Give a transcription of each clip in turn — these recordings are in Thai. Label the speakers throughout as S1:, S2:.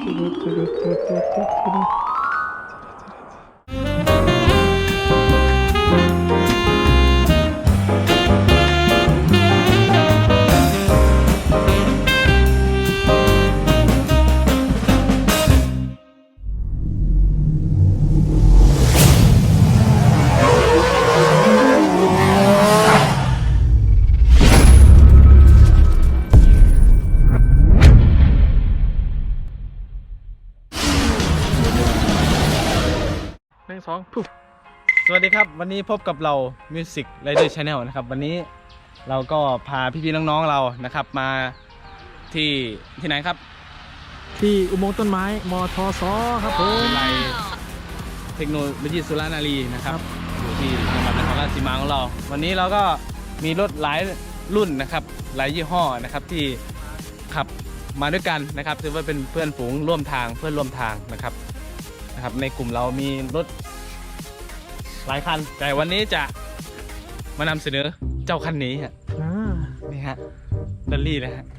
S1: สวัสดีครับวันนี้พบกับเรา Music Rider Channel นะครับวันนี้เราก็พาพี่ๆน้องๆเรานะครับมาที่ไหนครับ
S2: ที่อุโมงค์ต้นไม้มทสครับผม
S1: วิทยาลัยเทคโนโลยีสุรานารีนะครับอยู่ที่จังหวัดนครราชสีมาของเราวันนี้เราก็มีรถหลายรุ่นนะครับหลายยี่ห้อนะครับที่ขับมาด้วยกันนะครับถือว่าเป็นเพื่อนฝูงร่วมทางเพื่อนร่วมทางนะครับในกลุ่มเรามีรถหลายคันแต่วันนี้จะมานำเสนอเจ้าคันนี้ฮะนี่ฮะดัลลี่นะฮะ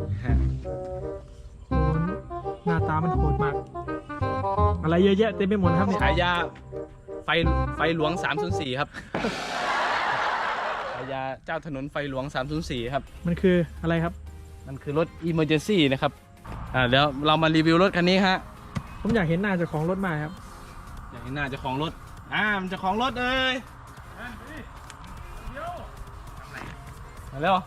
S2: หน้าตามันโหดมากอะไรเยอะแยะเต็มไปหมดครับเนี่ย
S1: ฉายาไฟหลวง304ครับฉายาเจ้าถนนไฟหลวง304ครับ
S2: มันคืออะไรครับ
S1: มันคือรถ Emergency นะครับเดี๋ยวเรามารีวิวรถคันนี้ฮะ
S2: ผมอยากเห็นหน้าเจ้าของรถมากครับ
S1: อยากเห็นหน้าเจ้าของรถมันจะของรถเลยมาเร็ว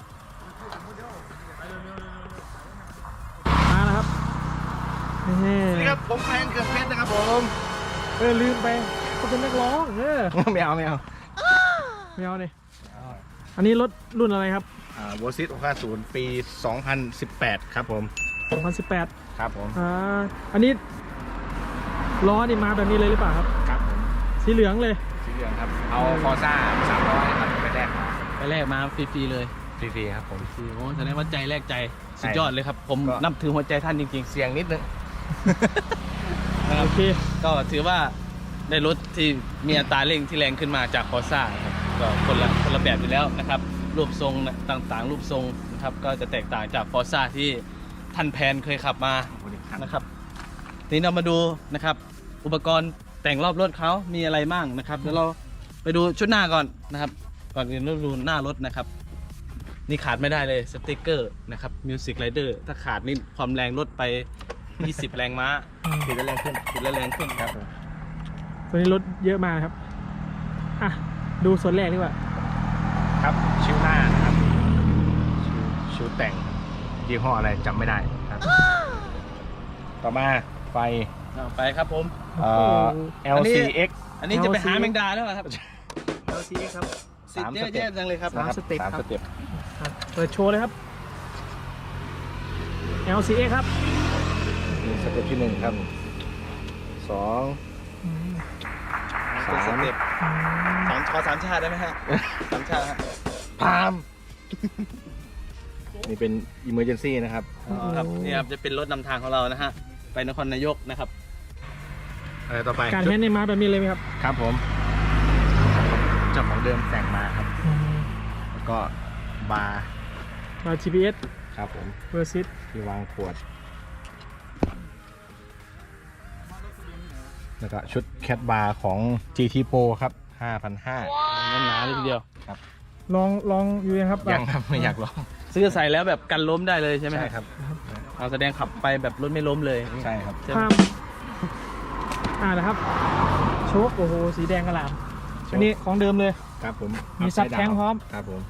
S2: มาแล้วครับ
S1: นี่ครับผมแฟนเกือบเพชรนะครับผม
S2: ลืมไปเขาเป็นนักร้อง
S1: ไม่เอา
S2: เนี่ยอันนี้รถรุ่นอะไรครับ
S1: วอซิต650ปี2018ครับผม
S2: 2018
S1: ครับผม
S2: อันนี้ล้อนี่มาแบบนี้เลยหรือเปล่าครับ
S1: ครับผม
S2: สีเหลืองเลย
S1: สีเหลืองครับเอาฟอร์ซ่า300ครับไปแรกมาฟรีๆเลยฟรีๆครับผมโอ้แสดงว่าใจแรกใจสุดยอดเลยครับผมนับถือหัวใจท่านจริงๆเสียงนิดนึง
S2: โอเค
S1: ก็ถือว่าได้รถที่มีอัตราเร่งที่แรงขึ้นมาจากฟอร์ซ่าครับก็คนละแบบอยู่แล้วนะครับรูปทรงต่างๆรูปทรงนะครับก็จะแตกต่างจากฟอร์ซ่าที่ท่านแพนเคยขับมานะครับทีนี้เรามาดูนะครับอุปกรณ์แต่งรอบรถเขามีอะไรบ้างนะครับเดี๋ยวเราไปดูชุดหน้าก่อนนะครับก่อนอื่นเราดูหน้ารถนะครับนี่ขาดไม่ได้เลยสติ๊กเกอร์นะครับ Music Rider ถ้าขาดนี่ความแรงลดไป20แรงม้าติดแล้วแรงขึ้นครับ
S2: ตัวนี้รถเยอะมากครับดูส่วนแรกดีกว่า
S1: ครับชิ้วหน้านะครับชิ้วแต่งยี่ห้ออะไรจำไม่ได้ครับต่อมาไฟครับผมLCX อันนี้จะไปหาแมงดาแล้วครับ LCX ครับ3 สเต็ปจังเลยครับ
S2: 3 สเต็ปเปิดโชว์เลยครับ LCX ครับ
S1: สเต็ปที่1ครับ2 3 สเต็ปขอ3 ชาติได้ไหมฮะ3 ชาติฮะพามนี่เป็น Emergency นะครับครับนี่ครับจะเป็นรถนำทางของเรานะฮะไปนครนายกนะครับอะไรต่อไป
S2: การแฮนด์ในมาแบบนี้เลยไหมครับ
S1: ครับผมเจ้าของเดิมแต่งมาครับแล้วก็บาร์
S2: GPS
S1: ครับผม
S2: เวอร์ซิต
S1: ที่วางขวดแล้วก็ชุดแคทบาร์ของ GT Pro ครับ 5,500 หนาเลยทีเดียวครับ
S2: ลองอยู่ยังครับ
S1: ยังครับไม่อยากลองซื้อใส่แล้วแบบกันล้มได้เลยใช่ไหมครับเอาแสดงขับไปแบบรถไม่ล้มเลยใช่ครับ
S2: นะครับโชคโอ้โหสีแดงกระหล่ำอันนี้ของเดิมเลย
S1: ครับผม
S2: มีซับแท้งพร้อม
S1: ครับผม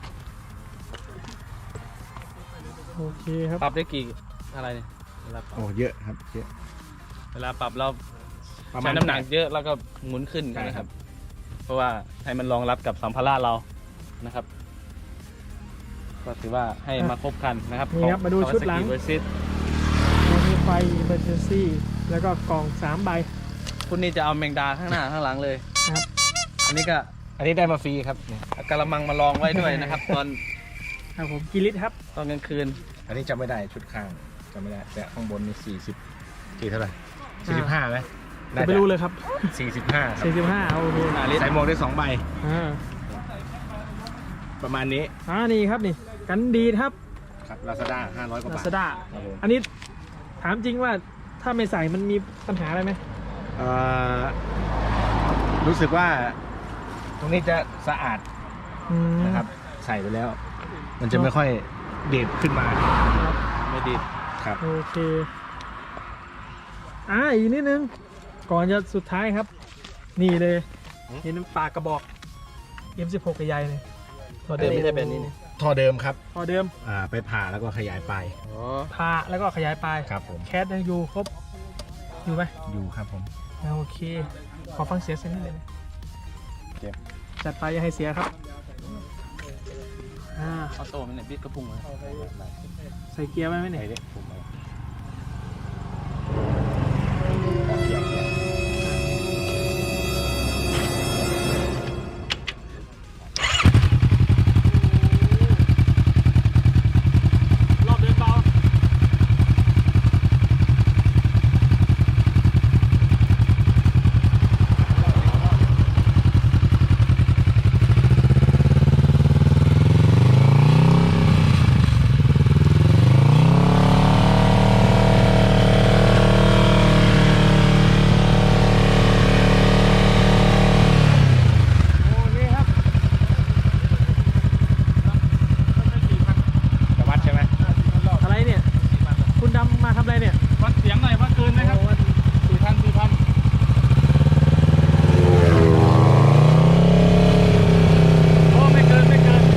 S2: โอเคครับ
S1: ปรับได้กี่อะไรเนี่ยโอ้เยอะครับเยอะเวลาปรับเราใช้น้ำหนักเยอะแล้วก็หมุนขึ้นนะครับเพราะว่าให้มันรองรับกับสัมภาระเรานะครับก็ถือว่าให้มาครบคันนะครับ
S2: นี่ครับมาดูชุดหลังมีไฟ Emergency แล้วก็กล่อง3 ใบ
S1: คุณนี่จะเอาแมงดาข้างหน้าข้างหลังเลย
S2: ครับ
S1: อันนี้ได้มาฟรีครับกระมังมาลองไว้ด้วยนะครับตอน
S2: ครับผมกี่ลิตรครับ
S1: ตอนกลางคืนอันนี้จำไม่ได้ชุดข้างจำไม่ได้แต่ข้างบนมี40เท่าไหร่45ไหม
S2: ไม่รู้เลยครับ
S1: 45
S2: โอเค
S1: ใส่หมวกได้2 ใบประมาณนี้
S2: นี่ครับนี่กันดีครับ
S1: Lazada 500 กว่าบาท
S2: Lazada อันนี้ถามจริงว่าถ้าไม่ใส่มันมีปัญหาอะไรไหม
S3: เอ่อรู้สึกว่าตรงนี้จะสะอาด
S2: อืม
S3: นะครับ ใส่ไปแล้ว มันจะไม่ค่อยเด็ดขึ้นมา
S2: ครับ
S1: ไม่ดี
S3: ครับ
S2: โอเคอีกนิดนึงก่อนจะสุดท้ายครับ นี่เลยเห็นปากกระบอก M16 กับใหญ่เลยตัวเดิม
S1: ไม่ใช่แบบนี้นี่
S3: ท่อเดิมครับ
S2: พอเดิม
S3: ไปผ่าแล้วก็ขยายไป
S1: อ๋อ
S2: พาแล้วก็ขยายปลาย
S3: ครับผม
S2: แคสยังอยู่ครบอยู่ไหม
S3: อยู่ครับผม
S2: โอเค ขอฟังเสียงสักนิดเลยนะ
S3: เจ็บ
S2: จัดไปอย่าให้เสียครับ
S1: ออโต้มันเนี่ยบิดกระพุ้งเลย
S2: ใส่เกียร์ไว้ไหม
S3: ไหน
S2: เนี่ย
S3: เด็กผมเอา
S2: รอบเดินเบาโอเคครับ
S3: จะวัดใช่ไหม
S2: อะไรเนี่ย คุณดำมาทำอะไรเนี่ย
S1: วัดเสียงหน่อยวัดเกินไหมครับ
S2: โอ้วัด
S1: 4,000
S2: โอ้ไม่เกินไม่เกิน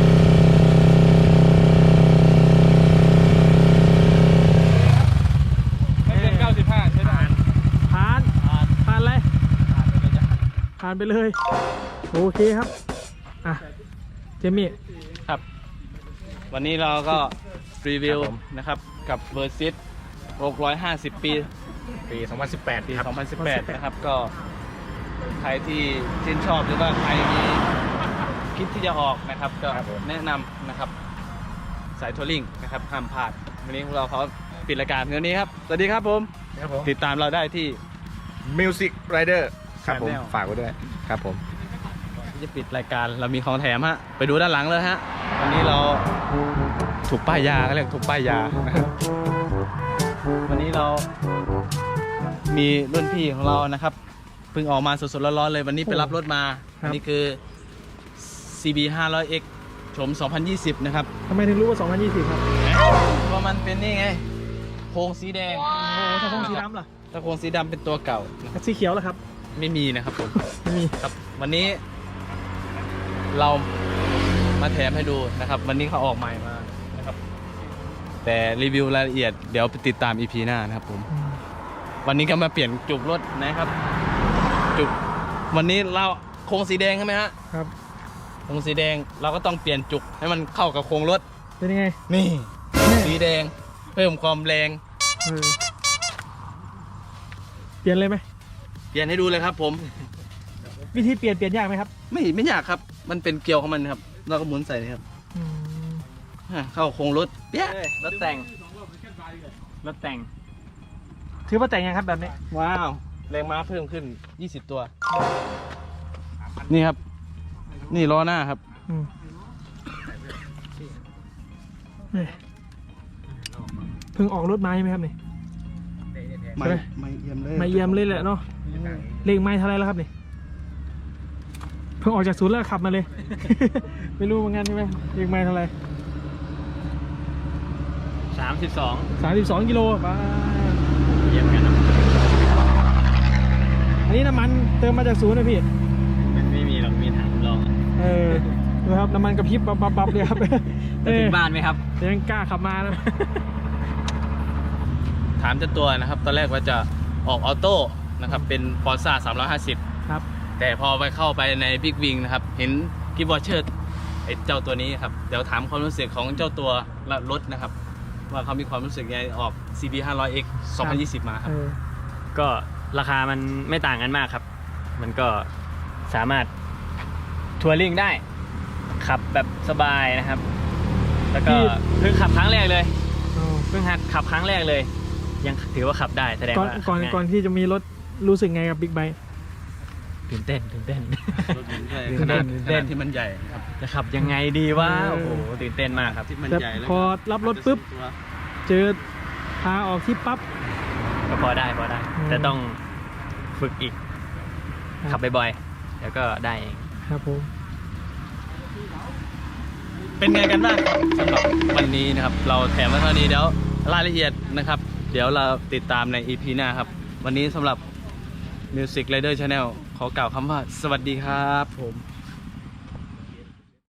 S1: ไม่เกิน95ใช่ไหม
S2: ผ่านผ่านอะไรผ่านไปเลย โอเคครับ อ่ะ เจมี่
S1: ครับ วันนี้เราก็รีวิวนะครับกับเวอร์ซิต650 ปี
S3: ปี 2018
S1: ปี
S3: ครับ
S1: 2018 นะครับ ก็ใครที่ชื่นชอบหรือว่าใครมีคิดที่จะออกนะครับ ก็
S3: ครับผม
S1: แนะนำนะครับ สายทัวริงนะครับห้ามพลาด วันนี้พวกเราเขาปิดรายการเท่านี้ครับ สวัสดีครับผม
S3: ครับผม
S1: ติดตามเราได้ที่
S3: Music Rider ครับผม
S1: Channel
S3: ฝากไว้ด้วยครับผม
S1: ที่จะปิดรายการเรามีของแถมฮะไปดูด้านหลังเลยฮะวันนี้เราถูกป้ายยาเขาเรียกถูกป้ายยานะครับวันนี้เรามีรุ่นพี่ของเรานะครับเพิ่งออกมาสดๆร้อนๆเลยวันนี้ไปรับรถมาอันนี้คือ CB 500X โฉม 2020 นะครับ
S2: ทำไมถึงรู้ว่า 2020 ครับ
S1: เพราะมันเป็นนี่ไงโครงสีแดง
S2: โอ้ถ้าคงสีดำล่ะ
S1: ถ้าโครงสีดำเป็นตัวเก่านะครับ
S2: สีเขียวล่ะครับ
S1: ไม่มีนะครับผม
S2: ไม่มี
S1: ครับวันนี้เรามาแถมให้ดูนะครับ วันนี้เขาออกใหม่มานะครับ แต่รีวิวรายละเอียดเดี๋ยวไปติดตาม EP หน้านะครับผม วันนี้ก็มาเปลี่ยนจุกรถนะครับ จุกวันนี้เราโครงสีแดงใช่ไหมฮะ
S2: ครับ
S1: โครงสีแดงเราก็ต้องเปลี่ยนจุกให้มันเข้ากับโครงรถ
S2: เป็นยังไง
S1: นี่สีแดงเพิ่มความแรง
S2: เออเปลี่ยนเลยไหม
S1: เปลี่ยนให้ดูเลยครับผม
S2: วิธีเปลี่ยนยากไหมครับ
S1: ไม่ยากครับ มันเป็นเกลียวของมันครับเราก็หมุนใส่นี่ครับ
S2: อืม
S1: เข้าโครงรถเปี้ย
S4: รถแต่ง รถแต่ง
S2: ถือว่าแต่งยังครับแบบนี้
S1: ว้าวแรงม้าเพิ่มขึ้น 20 ตัว นี่ครับ นี่ล้อหน้าครับ
S2: อืมเอ้ยเพิ่งออกรถมาใช่ไหมครับนี่
S1: ไม่
S2: ใช่ไหม
S1: ไม่เยี่ยมเลย
S2: ไม่เยี่ยมเลยแหละเนาะเลขไม้เท่าไรแล้วครับนี่เพิ่งออกจากศูนย์แล้วขับมาเลย ไม่รู้เหมือนกันใช่ไหมเลขไม้เท่าไร
S4: 32
S2: 32 กิโลบ้า
S4: เยี่ยมกันนะ
S2: อันนี้น้ำมันเติมมาจากศูนย์นะพี่
S4: มันไม่มีหรอก มีถังรองอะ
S2: เออดูครับน้ำมันกระพริบบับเลยครับ
S4: จะถึงบ้านไหมครับ
S2: ยังกล้าขับมานะ
S1: ถามเจ้าตัวนะครับ ตอนแรกว่าจะออกออโต้นะครับ เป็น Forza 350
S2: ครับ
S1: แต่พอไปเข้าไปใน Big Wing นะครับ เห็นกิฟต์วอเชอร์ไอ้เจ้าตัวนี้ครับ เดี๋ยวถามความรู้สึกของเจ้าตัวและรถนะครับ ว่าเขามีความรู้สึกยังไงออก CB 500X 2020 มาครับ
S2: เออ
S4: ก็ราคามันไม่ต่างกันมากครับ มันก็สามารถทัวริ่งได้ ขับแบบสบายนะครับ แล้วก็เพิ่งขับครั้งแรกเลย
S2: อ๋อ
S4: เพิ่งหัดขับครั้งแรกเลย ยังถือว่าขับได้แสดง
S2: ก่อน
S4: ว่า
S2: ก่อน
S4: ง่าย
S2: ก่อนที่จะมีรถรู้สึกไงกับบิ๊กไบค์
S4: ตื่นเต้น
S1: รถมันใหญ่
S4: ขนาด
S1: ขนาดที่มันใหญ่ครับ
S4: จะขับยังไงดีวะโอ้โหตื่นเต้นมากครับ
S1: ที่มัน
S2: แต่
S1: ใหญ่แล้ว
S2: พอรับรถปุ๊บ เจอพาออกที่ปั๊บ
S4: ก็พอได้ แต่ต้องฝึกอีก
S2: ครับ
S4: ขับบ่อยๆแล้วก็ได้เอง
S2: ครับผม
S1: เป็นไงกันบ้างครับสำหรับวันนี้นะครับ เราแถมมาเท่านี้เดี๋ยวรายละเอียดนะครับ เดี๋ยวเราติดตามใน EP หน้าครับ วันนี้สำหรับ Music Rider Channel ขอกล่าวคำว่าสวัสดีครับผม